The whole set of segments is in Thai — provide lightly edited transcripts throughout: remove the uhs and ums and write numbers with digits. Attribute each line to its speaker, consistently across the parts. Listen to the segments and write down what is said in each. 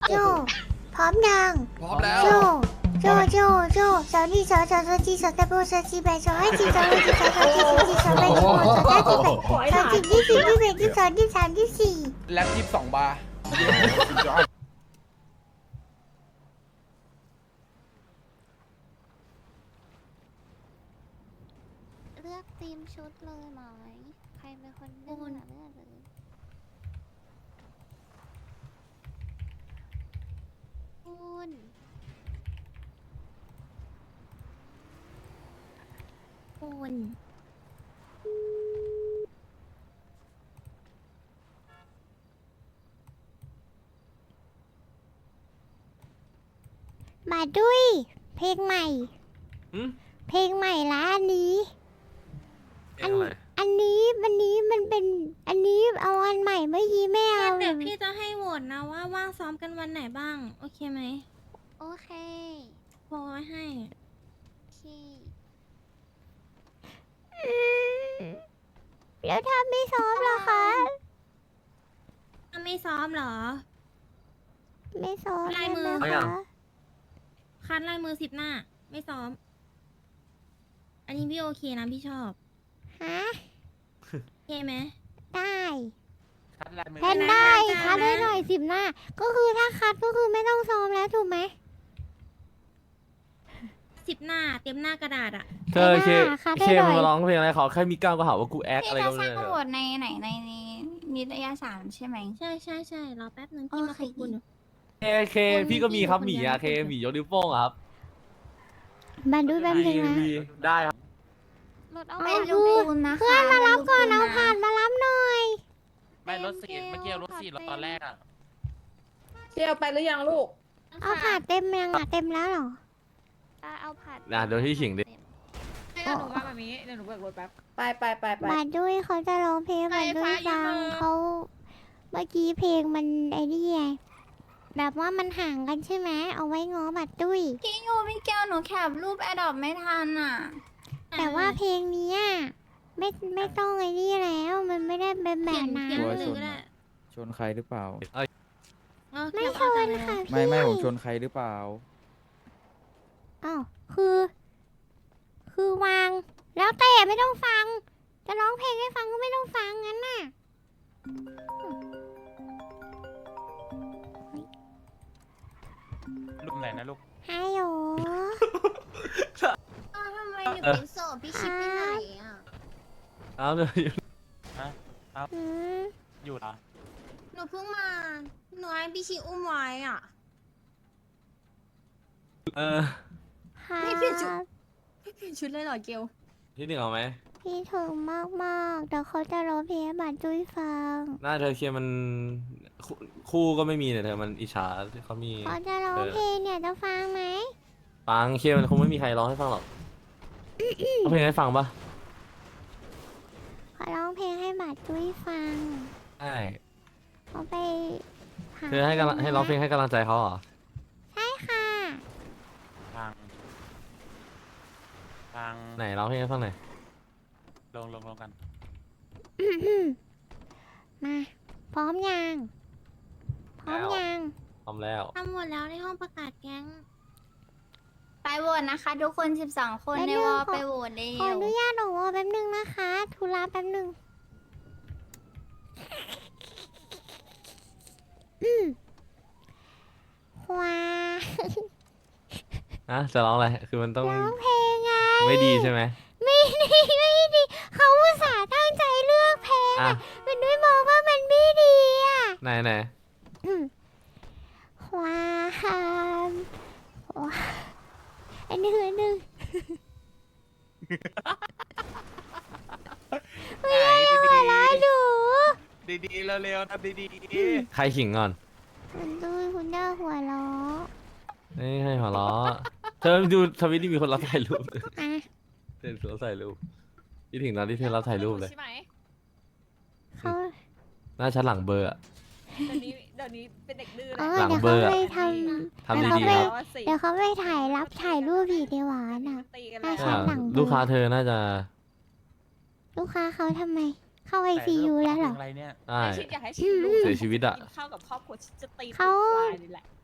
Speaker 1: โจพร้อมยัง
Speaker 2: พร้อมแล้ว
Speaker 1: โจโจสาวนี่สาวจีสาวตะโบสาวจีแบสาวให้จีสาวให้จีสาวจีสาวแบสาวสาวจีแบสาวจีที่สี่ที่แบที่สองที่สามที่สี่
Speaker 2: แล็บ22 บาร์
Speaker 3: เลือกธีมชุดเลยไหมใครเป็นคนเลือกเลือกเลยคุณ
Speaker 1: มาด้วยเพลงใหม่
Speaker 4: หืม
Speaker 1: เพลงใหม่ละอันนี้
Speaker 4: เพลงอะไร
Speaker 1: อันนี้มันเป็นอันนี้เอาอันใหม่เมื่อกี้ไม่เอา
Speaker 5: เดี๋ยวพี่จะให้โหวตนะว่าว่างซ้อมกันวันไหนบ้าง โอเคไหม
Speaker 3: โอเค
Speaker 5: โหวตไว้ให้
Speaker 3: ที่
Speaker 1: แล้วถ้าไม่ซ้อมล่ะคะ
Speaker 5: ถ้าไม่ซ้อมเหรอ
Speaker 1: ไม่ซ้อม
Speaker 5: ลายมือ
Speaker 1: ได้ไห
Speaker 4: เอายั
Speaker 1: คะ
Speaker 4: ง
Speaker 5: คัดลายมือ10 หน้า ไม่ซ้อม อันนี้พี่โอเคนะพี่ชอบ
Speaker 1: ฮะ
Speaker 5: โอเคไหม
Speaker 1: ได้
Speaker 2: คัดลายมือ
Speaker 1: แทนได้คัดได้หน่อย10 หน้า ก็คือถ้าคัดก็คือไม่ต้องซ้อมแล้วถูกไหม
Speaker 5: 10 หน้า เต็มหน้ากระดาษอะ
Speaker 4: เธอเค
Speaker 1: ค่ะได้
Speaker 4: เค
Speaker 1: หน่
Speaker 4: มั
Speaker 1: อนย
Speaker 4: มาร้องเพลงอะไรขอแค่มีก้าวก็หาว่ากูแอค
Speaker 3: พี่
Speaker 4: อะไร
Speaker 3: จะ
Speaker 4: ก็
Speaker 3: ส
Speaker 4: ไม่
Speaker 3: ร้าง
Speaker 4: รู้
Speaker 3: บทในไหนในนิตยสารใช่ไหม
Speaker 5: ใช่รอแป๊บนึงพี่มา
Speaker 3: โอเค
Speaker 5: ขอบคุณอยู่
Speaker 4: เคพี่ก็มีครับหมีอะเคหมียกนิ้วโป้งอะครับ
Speaker 1: มาดูแป๊บนึงนะ
Speaker 4: มีได้ครับ
Speaker 3: รถเอา
Speaker 1: เอา
Speaker 3: ไป
Speaker 1: ดู
Speaker 3: ลูกปูนนะคะ
Speaker 1: เพื่อนมารับก่อน
Speaker 3: ลู
Speaker 1: เอา
Speaker 3: ปูะ
Speaker 1: ผ่านมารับหน่อย
Speaker 2: ไม่รถสีเมื่อกี้รถสีตอนแรกอ่ะ
Speaker 6: เที่ยวไปหรือยังลูก
Speaker 1: เอาผ่านเต็มยังอ่ะเต็มแล้วเหรอ
Speaker 3: เอาผัด
Speaker 4: นะเดี๋ยวพี่ขิงดิ
Speaker 6: ให้หนูมาแบบนี้เดี๋ยวหนูเบิกรถแป๊บ ไป
Speaker 1: มาด้วยเขาจะร้องเพลงมาด้วยฟังเขาเมื่อกี้เพลงมันไอ้นี่ไงแบบว่ามันห่างกันใช่ไหมเอาไว้ง้อบัดดุ้ย
Speaker 3: พี่ยูพี่แก้วหนูแคปรูปแอดดอปไม่ทันอ่ะ
Speaker 1: แต่ว่าเพลงเนี้ยไม่ต้องไอ้นี่แล้วมันไม่ได้เป็นแบ
Speaker 5: เขีย
Speaker 1: บ
Speaker 5: น
Speaker 1: นั้น
Speaker 5: เขียนเลยก็ได้
Speaker 7: ชนใครหรือเปล่า
Speaker 5: เอา
Speaker 1: ไม่
Speaker 5: แคป
Speaker 1: ช
Speaker 5: เอา
Speaker 1: น
Speaker 5: จาก
Speaker 1: ค่ะ
Speaker 5: แล้ว
Speaker 1: พี่
Speaker 7: ไม่ผมชนใครหรือเปล่า
Speaker 1: อ้าวคือวาง แล้วแต่ไม่ต้องฟัง จะร้องเพลงให้ฟังก็ไม่ต้องฟังงั้นน่ะ
Speaker 2: รูปไหนนะลูก
Speaker 1: ฮัลโหล
Speaker 3: ทำไมหนูเป็นโสดพี่ชิปไปไหนอ่ะ
Speaker 4: เอาเลย
Speaker 1: อืม
Speaker 2: อยู่เหรอ
Speaker 3: หนูเพิ่งมาหนูให้พี่ชิอุ้มไว้อ่ะ
Speaker 4: เออ
Speaker 1: ค่ะ
Speaker 3: ไม่เปลี่ยนชุด ไม่เปลี่ยนชุดเลยเหรอเกล
Speaker 4: ที่หนึ่งเอาไหม
Speaker 1: พี่ถึงมากๆเดี๋ยวเขาจะร้องเพลงให้บัตรจุ้ยฟัง
Speaker 4: หน้าเธอเคมันคู่ก็ไม่มีเนี่ยเธอมันอิจฉาที่เขามี
Speaker 1: เขาจะร้องเพลงเนี่ยจะฟังไหม
Speaker 4: ฟังเคมันคงไม่มีใครร้องให้ฟังหรอกเอาเพลงให้ฟังปะ
Speaker 1: ขอร้องเพลงให้บัตรจุ้ยฟัง
Speaker 4: ใช่
Speaker 1: เขาไปหา
Speaker 4: เธอให้ร้องเพลงให้กำลังใจเขาเหรอ
Speaker 1: ใช่ค่ะ
Speaker 2: ทาง ทาง
Speaker 4: ไหนร้องเพลงให้ฟังหน่อย
Speaker 2: ลงกัน
Speaker 1: มาพร้อมยังพร้อมยัง
Speaker 4: พร้อมแล้ว
Speaker 5: ทำหมดแล้วในห้องประกาศแก๊ง
Speaker 3: ไปโหวตนะคะ ทุกคน 12 คนในวอลไปโหวตเร็
Speaker 1: ขออ
Speaker 3: ว
Speaker 1: นุญาตหนูแป๊บนึงนะคะธุระแป๊บนึงว้า
Speaker 4: นะจะร้องอะไร คือมันต้อง
Speaker 1: ร้องเพลงไง
Speaker 4: ไม่ดีใช่ไหม
Speaker 1: ไม่ดีไม่ดีเขาอุตส่าห์ตั้งใจเลือกเพลง
Speaker 4: อ่ะ
Speaker 1: อะมันด้วยมองว่ามันไม่ดีอ่ะ
Speaker 4: ไหน
Speaker 1: ความอันหนึ่ง
Speaker 2: ไหน
Speaker 1: หัวเราะหนู
Speaker 2: ดีๆเร็วๆทำดี
Speaker 4: ใครขิงก่อน
Speaker 1: มันด้วยคุณย่าหัวเราะ
Speaker 4: นี่ให้หัวเราะเธอดูทวิตที่มีคนรับถ่ายรูป
Speaker 1: อ่ะ
Speaker 4: เธอรับถ่ายรูปที่ถึงตอนที่เธอรับถ่ายรูปเลย
Speaker 6: ใช่ไหม
Speaker 1: เขา
Speaker 4: หน้าชั้นหลังเบอร์อะ
Speaker 6: เดี๋ยวนี้เป็นเด็กดื้อ
Speaker 1: เอ
Speaker 6: แล้
Speaker 1: อ
Speaker 6: ว
Speaker 4: หลัง
Speaker 1: เดี๋ยว
Speaker 4: เบอ
Speaker 1: เขา
Speaker 4: ร์อะ
Speaker 1: ไปท
Speaker 4: ทำ
Speaker 1: แล้วเขา
Speaker 4: ดี
Speaker 1: ไป
Speaker 4: ๆครับ
Speaker 1: ำเดี๋ยวเขาไปถ่ายรูปอีกดีกว่าน่ะ
Speaker 6: ตีกัน
Speaker 1: อ่ะ
Speaker 6: แล้ว
Speaker 1: ใช่ หลังเบอร์
Speaker 4: ลูกค้าเธอน่าจะ
Speaker 1: ลูกค้าเขาทำไม เข้าไอ
Speaker 2: ๆ
Speaker 1: ซียูแล้วเหรอ
Speaker 2: อะไรเนี่ย
Speaker 4: ได้
Speaker 6: ให้ชิดอยากให้ชิดลูก
Speaker 4: เสียชีวิตอะ
Speaker 6: กินข้าวกับครอบครัวชิดจะตี
Speaker 1: เขา
Speaker 6: ลายนี่แหละ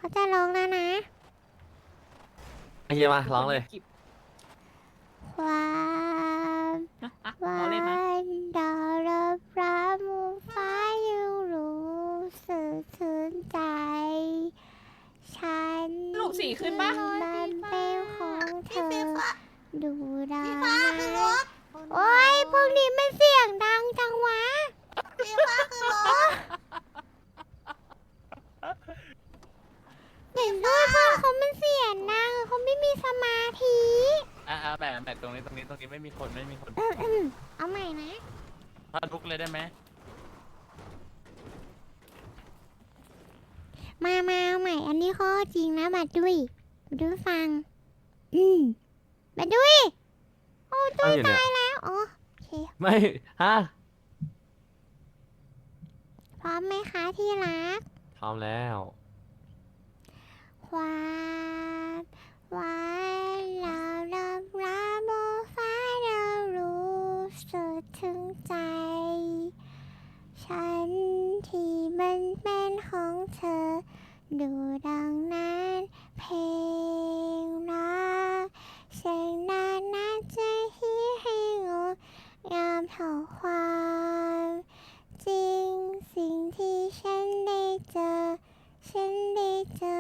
Speaker 1: เขาจะร้องแล้วนะ
Speaker 4: โอเคมาร้องเลย
Speaker 1: ความ
Speaker 6: รอเล่นนะ
Speaker 1: วันดาวรับฟ้ามูฟ้ายังรู้สึกถึงใจ ฉัน
Speaker 6: สรุปสีขึ้นปะ
Speaker 1: มันเป็นของเธอ ดูดาวนะโอ้ยพวกนี้มันเสียงดังจังวะพี่ฟ้าคือรถเห็นด้วยเพื่อนเขามันเสียงดังเขาไม่มีสมาธิ
Speaker 2: แบบตรงนี้ไม่มีคนไม่มีคน
Speaker 1: เอาใหม่นะ
Speaker 2: พาลุกเลยได้ไหม
Speaker 1: มาเอาใหม่ อันนี้ข้อจริงนะบัดดุยบัดดุยฟัง บัดดุยโอ้ดุ
Speaker 4: ตั้ง
Speaker 1: ย
Speaker 4: อยู่เนี่ย
Speaker 1: ตายแล้ว อ๋อ โอเค
Speaker 4: ไม่ฮะ
Speaker 1: พร้อมไหมคะที่รัก
Speaker 4: พร้อมแล้ว
Speaker 1: ความวันเรารับรับบนฟ้าเรารู้สึกถึงใจ ฉันที่มันเป็นของเธอ ดูดังนั้นเพลงรักเสียงนานน่าจะฮิตให้งดงามเท่าความจริงสิ่งที่ฉันได้เจอ ฉันได้เจอ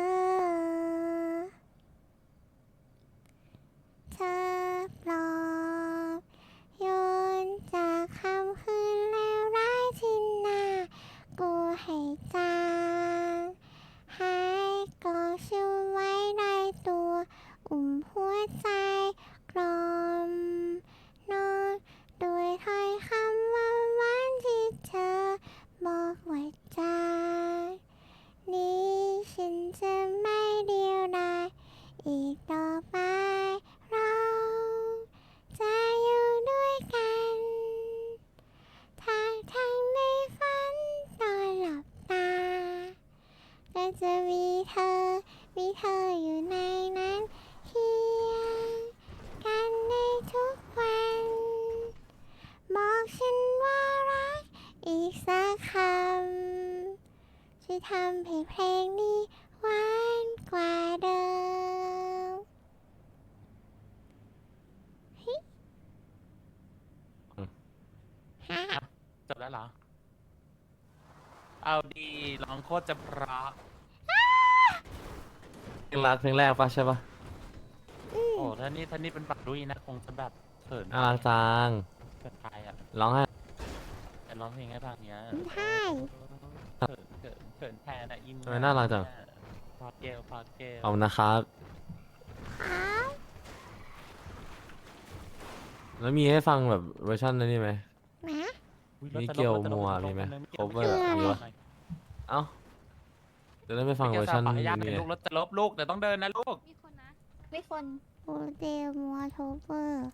Speaker 1: เธอปลอบโยนจากคำคืนเลวร้ายที่น่ากลัวให้จางหายกอดฉันไว้ในตัว อุ่มหัวใจกลอมนอนด้วยถ้อยคำหวานๆที่เธอบอกไว้จากนี้ฉันจะไม่เดียวดายอีกต่อไปเราจะอยู่ด้วยกันทั้งในฝันตอนหลับตาก็จะมีเธออยู่ในนั้นเคียงกันในทุกวันบอกฉันว่ารักอีกสักคำช่วยทำให้เพลงนี้หวานกว่าเดิม ฮ่า
Speaker 2: จบแล้วเหรอ เอาดีร้องโคตรจะเพราะ
Speaker 4: เพลงรักเพลงแรกปะใช่ปะ
Speaker 2: โอ้ถ้านี่เป็นปักดุยนะคงจะแบบเขิน
Speaker 4: น่ารักจัง
Speaker 2: เกินไปอ่ะ
Speaker 4: ร้องให้
Speaker 2: แต่ร้องเพลงให้ฟังเนี้ย
Speaker 1: ใช่
Speaker 2: เขินแทนอ่ะอิน
Speaker 4: ทำไมน่ารักจัง
Speaker 2: พอเกล
Speaker 4: ขอบคุณนะครับ
Speaker 1: ครับ
Speaker 4: แล้วมีให้ฟังแบบเวอร์ชันนั้นนี่ไหม
Speaker 1: นะ
Speaker 2: อุ๊ย
Speaker 4: มิ
Speaker 2: รถ
Speaker 4: เกล
Speaker 2: ตลก
Speaker 4: มัว
Speaker 2: รถตลก
Speaker 4: มีไหม
Speaker 2: รถตลก
Speaker 4: cover
Speaker 1: คืออะไร
Speaker 4: มีวะ เอ้าจะได้ไม่ฟังเวอร์ชัน
Speaker 2: มิ
Speaker 4: นี้
Speaker 2: เกลสาวขออนุญาต
Speaker 4: ไง
Speaker 2: เป็นลูกรถจะลบลูกแต่ต้องเดินนะลูก
Speaker 3: มีคนนะมีคน
Speaker 1: โอเดลมัวโทเวอร์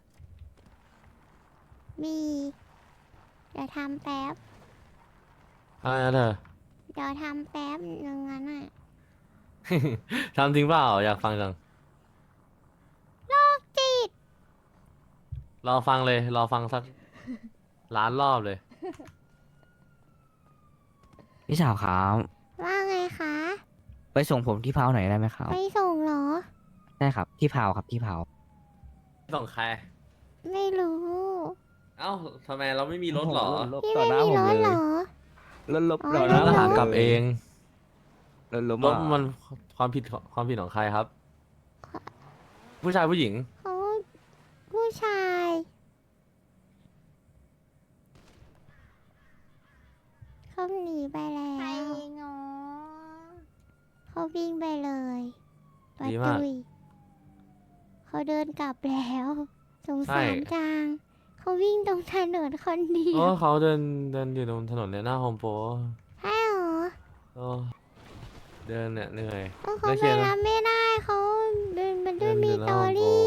Speaker 1: มี เดี๋ยวทำแป๊บ
Speaker 4: อะไรนะเธอ
Speaker 1: เดี๋ยวทำแป๊บหนึ่งงั้นอ่ะ
Speaker 4: ทำจริงเปล่าอยากฟังจัง
Speaker 1: จิต
Speaker 4: รอฟังเลย รอฟังสักล้านรอบเลย
Speaker 8: พี่สาวครับ
Speaker 1: ว่าไงคะ
Speaker 8: ไปส่งผมที่พาวหน่อยได้ไหมครับ
Speaker 1: ไปส่งเหรอ
Speaker 8: ได้ครับที่พาวครับที่พาว
Speaker 4: ส่งใคร
Speaker 1: ไม่รู้
Speaker 4: เอ้าทำไมเราไม่มีรถเหรอ
Speaker 1: พี่ไม่มีรถเหรอ
Speaker 8: รถลบ
Speaker 1: อ๋อ
Speaker 8: ต่อห
Speaker 1: ร
Speaker 8: น้า
Speaker 1: ถ
Speaker 4: ก็
Speaker 1: ลบ
Speaker 4: หากลับเอง
Speaker 8: รถลบ
Speaker 4: รถมันความผิดของใครครับ ผู้ชายผู้หญิง
Speaker 1: เขาผู้ชายเขาหนีไปแล้
Speaker 3: ใคร
Speaker 1: ว
Speaker 3: งอ
Speaker 1: เขาวิ่งไปเลย
Speaker 4: ดีมาก
Speaker 1: ตุยเขาเดินกลับแล้ว สง
Speaker 4: ใช่
Speaker 1: สารจัง เขาวิ่งตรงถนนคนเดีย
Speaker 4: โอ้
Speaker 1: ว
Speaker 4: เขาเดินอยู่ตรงถนนเนี่ยหน้าโฮมโปร
Speaker 1: ใช่เหรอ
Speaker 4: โอ้เดินเนี่ยเหนื่อย
Speaker 1: เออเขา
Speaker 4: ได้
Speaker 1: ไป
Speaker 4: เขียน
Speaker 1: รับไม่ได้เขาเดินมันด้วย
Speaker 4: เดิน
Speaker 1: มี
Speaker 4: อยู่ห
Speaker 1: ต
Speaker 4: น้า
Speaker 1: อ
Speaker 4: Home Pro
Speaker 1: รี่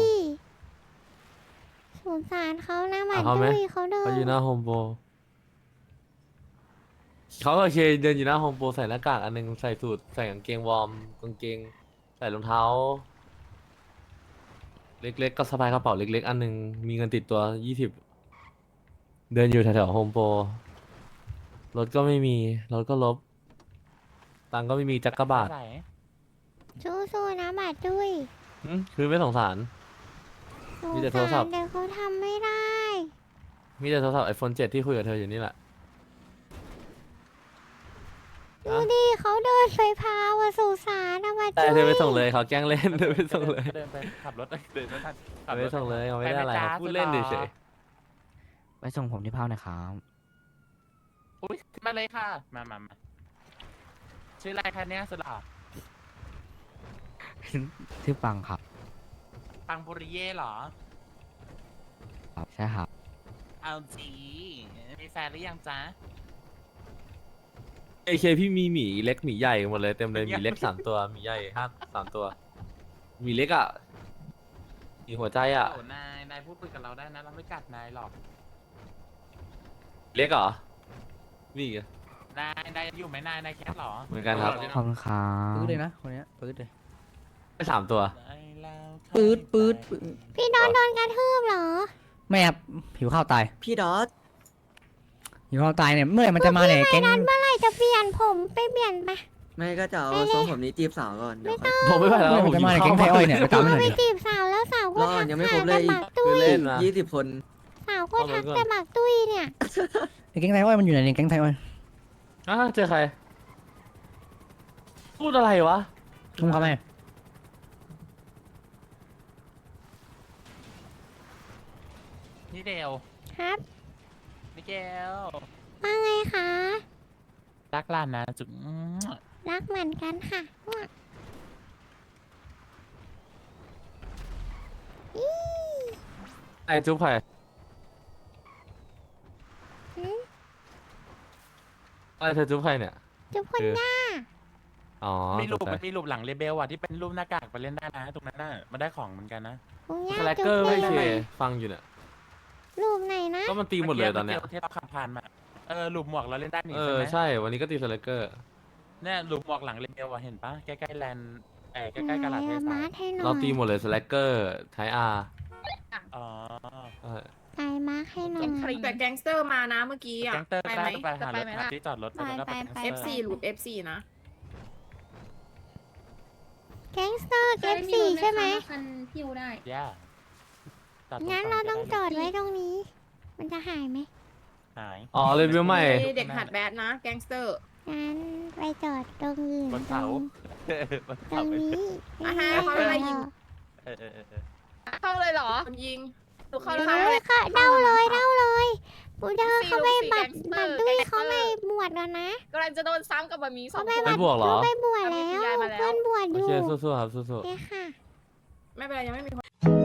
Speaker 1: สงสารเขานะบัด
Speaker 4: เอาเขาไหม
Speaker 1: ดุยเขาเดิ
Speaker 4: เขา
Speaker 1: น
Speaker 4: อยู่หน้าโฮมโปรเขาโอเคเดินอยู่หน้าโฮมโปรใส่หน้ากากอันหนึงใส่สูทใส่กางเกงวอร์มกางเกงใส่รองเท้า เล็กๆก็สะพายกระเป๋าเล็กๆ อันหนึงมีเงินติดตัว20เดินอยู่แถวๆโฮมโปรรถก็ไม่มีรถก็ลบตังค์ก็ไม่มีจักรบาท
Speaker 2: ใส่
Speaker 1: สู้ๆนะบาดดุย
Speaker 4: คือไม่สงสาร มีแต่โทรศัพท์
Speaker 1: เดี๋ยวเขาทำไม่ได้
Speaker 4: มีแต่โทรศัพท์ iPhone 7 ที่คุยกับเธออยู่นี่แหละ
Speaker 1: ดูดิเขาเดินไปพาว่าสุสานนะบาด
Speaker 4: แต่
Speaker 1: ดุย
Speaker 4: เธอไปส่งเลยเขาแกล้งเล่น เธอไปส่งเลย
Speaker 2: เดินไปขับรถเดินไม่ทันขับ
Speaker 4: ไป
Speaker 2: รถ
Speaker 4: ส่งเลยเขาไม่ได้อะไร
Speaker 2: ปห
Speaker 4: เขาพูดเล่นเฉย
Speaker 8: ไปส่งผมที่เผาหน่อยครับ
Speaker 2: อุ้ยมาเลยค่ะ มาชื่ออะไรคะเนี่ยสุดหล่อ
Speaker 8: ชื่อปังครับ
Speaker 2: ปังปุริเย่เหรอ
Speaker 8: ครับใช่ครับ
Speaker 2: เอาจีมีแฟนหรือยังจ๊ะ
Speaker 4: ๆ AK พี่มีหมีเล็กหมีใหญ่หมดเลยเต็มเลยหมีเล็ก3 ตัวหมีใหญ่3 ตัวหมีเล็กอ่ะหมีหัวใจอ่ะ
Speaker 2: โอ้นายพูดคุยกับเราได้นะ เราไม่กัดนายหรอก
Speaker 4: เล็กเหรอนี่ไง
Speaker 2: นายอยู่ไหมนายแคทเหรอ
Speaker 4: เหมือนกันครับ
Speaker 8: ขอบคุณครับ
Speaker 7: ปื๊ดเลยนะคนเนี้ยปื๊ดเลย
Speaker 4: ได้3 ตัว
Speaker 7: ปื๊ดปื๊ด
Speaker 1: พี่โดนกระทืบเหรอ
Speaker 9: ไม่ครับผิวข้าวตาย
Speaker 10: พี่ดอส
Speaker 9: ผิวข้าวตายเนี่ยเมื่อไหร่มันจะมาเนี่ยแก๊ง
Speaker 1: เมื่อไหร่จะเปลี่ยนผมไปเปลี่ยนไป
Speaker 10: ไม่ก็จะเอาทรงผมนี้จีบสาวก่อนเดี๋ยวค่อย
Speaker 4: ผมไม่ไหวแล้ว
Speaker 9: เมื่อไหร่
Speaker 4: ผม
Speaker 9: มันจะ
Speaker 4: หิ
Speaker 9: มาว
Speaker 4: ข้าว
Speaker 9: เนี่ยแก๊งไทยอ้อยเนี่ยไปตามมันหน่อย
Speaker 1: ไป
Speaker 9: ดิ
Speaker 1: จีบสาวแล้วสาวก็
Speaker 10: รอ
Speaker 1: ทัก
Speaker 10: ยังไม่
Speaker 1: หา
Speaker 10: ครบเลย
Speaker 1: แต่ห
Speaker 10: อี
Speaker 1: มาก กตุ้ย
Speaker 4: คือเล่นนะ
Speaker 10: 20 คน
Speaker 1: สาวก็ทักแต่หมากตุ้ยเนี่ย
Speaker 9: ไอ้แก๊งไทยอ้อยมันอยู่ไหนเนี่ยแก๊งไทยอ้อย
Speaker 4: เจอใคร พูดอะไรวะ
Speaker 9: ลุงเขาไหม
Speaker 2: นี่เดว
Speaker 1: ครับ
Speaker 2: มิเกล
Speaker 1: ว่าไงคะ
Speaker 2: รักหลานนะจุ๊บ
Speaker 1: รักเหมือนกันค่ะอี
Speaker 4: ไอจุ๊บใคร
Speaker 1: หืม
Speaker 4: อะไรเธอจุ๊บใครเนี่ย
Speaker 1: จุ๊บคนย่า
Speaker 4: อ๋อ
Speaker 2: มีรูป
Speaker 4: ตกใจ
Speaker 2: มันมีรูปหลังเรเบลอ่ะที่เป็นรูปหน้ากากไปเล่นได้นะตรงนั้นน่ะมันได้ของเหมือนกันนะ
Speaker 1: คุณย่า
Speaker 4: สแลก
Speaker 1: จุ๊
Speaker 4: เก
Speaker 1: บ
Speaker 4: อร์
Speaker 1: เล
Speaker 4: ไม่
Speaker 1: ย
Speaker 4: เคฟังอยู่เนี่ย
Speaker 1: รูปไหนนะ
Speaker 4: ก็มันตีหมดเลยตอนเนี้ย
Speaker 2: ที่เราขับผ่านมารูปหมวกเราเล่นได้นี่
Speaker 4: เอ
Speaker 2: ใช่
Speaker 4: อ
Speaker 2: ไหม
Speaker 4: ใช่ วันนี้ก็ตีสแลกเกอร์
Speaker 2: เนี่ยรูปหมวกหลังเรเบลอ่ะเห็นปะใกล้ๆแลนด์ใกล้ๆกาลาดเท
Speaker 1: มา
Speaker 2: ศา
Speaker 1: ให้หน่อย
Speaker 4: เราตีหมดเลยสแลกเกอร์ไทอาร์
Speaker 2: อ๋อ
Speaker 1: ไก่มาให้หน่อย
Speaker 6: แต่แก๊งสเตอร์มานะเมื่อกี้อ่ะ
Speaker 2: แก๊งเตอร์
Speaker 6: ไป
Speaker 2: ได้
Speaker 6: ไหม
Speaker 2: ไปหา
Speaker 6: จะ
Speaker 2: ร
Speaker 6: ไป
Speaker 2: ถ
Speaker 6: ไหม
Speaker 2: หา
Speaker 6: ล่ะ
Speaker 2: ที่จอดรถแล้วก็ไป
Speaker 6: F4 หลุด F4 นะ
Speaker 1: แก๊งสเตอร์เอฟซีใช่ไหม
Speaker 5: คันพิวได้
Speaker 2: ย่าตัด
Speaker 1: งั้นเราต้องจอดไว้ตรงนี้ มันจะหายไหม
Speaker 2: หาย
Speaker 4: อ๋อเลยวิวใหม่
Speaker 6: เด็กหัดแบดนะแก๊งสเตอร์
Speaker 1: งั้นไปจอดตรงอื่น
Speaker 2: บนเสา
Speaker 1: ตรงนี้
Speaker 6: อ่ะฮะเขาอะไรยิง
Speaker 2: เออ
Speaker 6: เข้าเลยเหรอคนยิงดูเข้า
Speaker 1: เอ
Speaker 6: เลย
Speaker 1: อค่ะเดาเลยปูเดอร์เขาไปบัตร
Speaker 6: แก๊งสเตอ
Speaker 1: บั
Speaker 6: ร์
Speaker 1: ตรด้วย
Speaker 6: แก๊งสเตอร์
Speaker 1: เขาไปบวชแล้วนะ
Speaker 6: กำลังจะโดนซ้ำกับบะหมี่สอ
Speaker 1: เขา
Speaker 6: ง
Speaker 1: ไป
Speaker 6: คน
Speaker 4: ไปบวกเหรอ
Speaker 1: เขาไปบวชแล้ว
Speaker 6: ย้ายมาแล้ว
Speaker 1: เพื่อนบวชอ
Speaker 4: โอยู่ เคสู้ๆครับสู้
Speaker 1: โอเคค่ะ
Speaker 6: ไม่เป็นไรยังไม่มีคน